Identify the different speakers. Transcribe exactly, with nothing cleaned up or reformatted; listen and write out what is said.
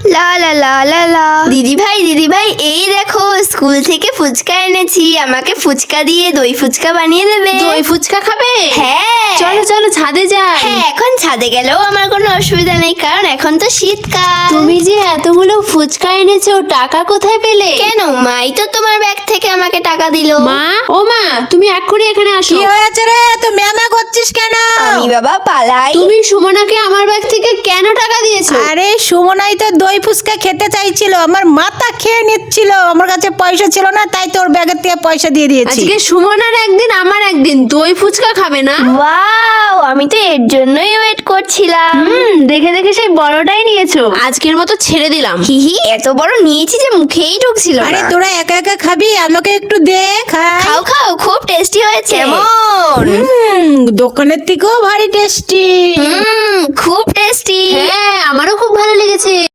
Speaker 1: লা লা লা লা লা। দিদি ভাই দিদি ভাই এই দেখো স্কুল থেকে ফুচকা এনেছি, আমাকে ফুচকা দিয়ে দই ফুচকা বানিয়ে দেবে।
Speaker 2: দই ফুচকা খাবে?
Speaker 1: হ্যাঁ
Speaker 2: চলো চলো ছাদে যাই।
Speaker 1: হ্যাঁ এখন ছাদে গেলেও আমার কোনো অসুবিধা নেই, কারণ এখন তো শীতকাল।
Speaker 2: তুমি যে এতগুলো ফুচকা এনেছো টাকা কোথায় পেলে?
Speaker 1: কেন, মাই তো তোমার ব্যাগ থেকে আমাকে টাকা দিলো।
Speaker 2: মা, ও মা, তুমি এক্ষুনি এখানে আসো।
Speaker 3: কি হয়েছে রে? তুই ম্যামা করছিস কেন?
Speaker 1: আমি বাবা পালাই।
Speaker 2: তুমি সুমনাকে আমার ব্যাগ থেকে কেন টাকা দিয়েছো?
Speaker 3: আরে সুমনাই তো দই ফুচকা খেতে চাইছিল, আমার মাথা খেয়ে নিচ্ছিল, আমার কাছে পয়সা ছিল না, তাই তোর ব্যাগের থেকে পয়সা দিয়ে দিয়েছি।
Speaker 2: আজকে সুমনার একদিন আমার একদিন, দই ফুচকা খাবে না?
Speaker 1: ওয়াও, আমি তো এর জন্যই ওয়েট করছিলাম।
Speaker 2: হুম, দেখে দেখে সেই বড়টাই নিয়েছো। আজকের মতো ছেড়ে দিলাম।
Speaker 1: হিহি, এত বড় নিয়েছি যে মুখেই ঢুকছিল
Speaker 3: আরে
Speaker 1: না।
Speaker 3: তোরা একা একা খাবি, আমাকে একটু দে খাই।
Speaker 1: খাও খাও, খুব টেস্টি হয়েছে। কেমন?
Speaker 3: হুম, দোকানের থেকেও ভারী টেস্টি।
Speaker 1: হুম, খুব টেস্টি।
Speaker 2: হ্যাঁ, আমারও খুব ভালো লেগেছে।